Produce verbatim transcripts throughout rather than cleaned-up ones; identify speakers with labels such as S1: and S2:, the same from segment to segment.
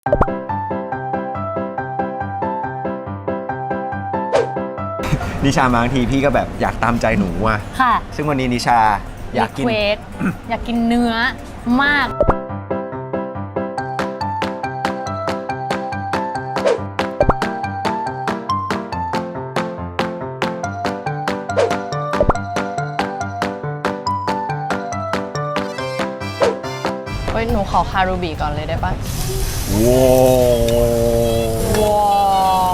S1: นิชาบางทีพี่ก็แบบอยากตามใจหนูอ่ะ
S2: ค่ะ
S1: ซึ่งวันนี้นิชาอยากกิน
S2: อยากกินเนื้อมากเฮ้ยหนูขอคารูบิก่อนเลยได้ปะ
S1: ว้าว
S2: ว้าว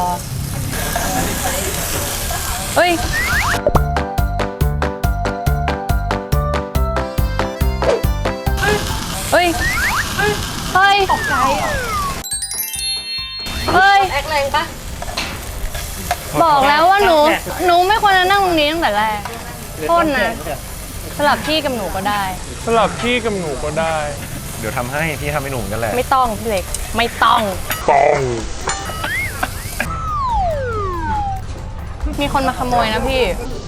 S2: เฮ้ยเฮ้ยเฮ้ยตกใจอ่ะเฮ้ยแอคแรงปะบอกแล้วว่าหนูหนูไม่ควรจะนั่งตรงนี้ตั้งแต่แรกโทษนะสลับที่กับหนูก็ได้
S3: สลับที่กับหนูก็ได้
S1: เดี๋ยวทำให้พี่ทำให้หนูกันแหละ
S2: ไม่ต้องพี่เล็กไม่ต้อง
S3: ต้อง
S2: มีคนมาขโมยนะพี่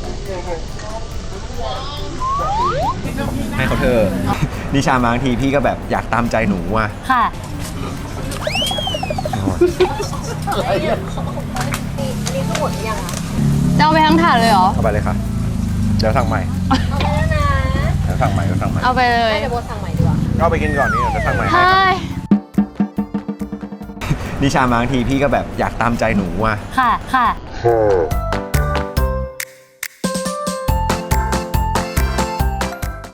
S1: ให้เขาเธอนิชาบางทีพี่ก็แบบอยากตามใจหนูอ่ะ
S2: ค่ะนี่ก็หมดยังอ่ะจะเอาไปทั้งถาดเลยเหรอ
S1: เอาไปเลยค่ะเดี๋ยวสั่งใหม่
S2: เอาไปแล้วนะ
S1: เดี๋ยวสั่งใหม่เดี๋ยวสั่งใหม่
S2: เอาไปเลย
S4: เดี๋ยวโบสั่งใหม่ดีกว่า
S1: เอาไปกินก่อนนี่เดี๋ยวสั่งใหม่ให้นิชาบางทีพี่ก็แบบอยากตามใจหนูอ่ะ
S2: ค่ะค่ะ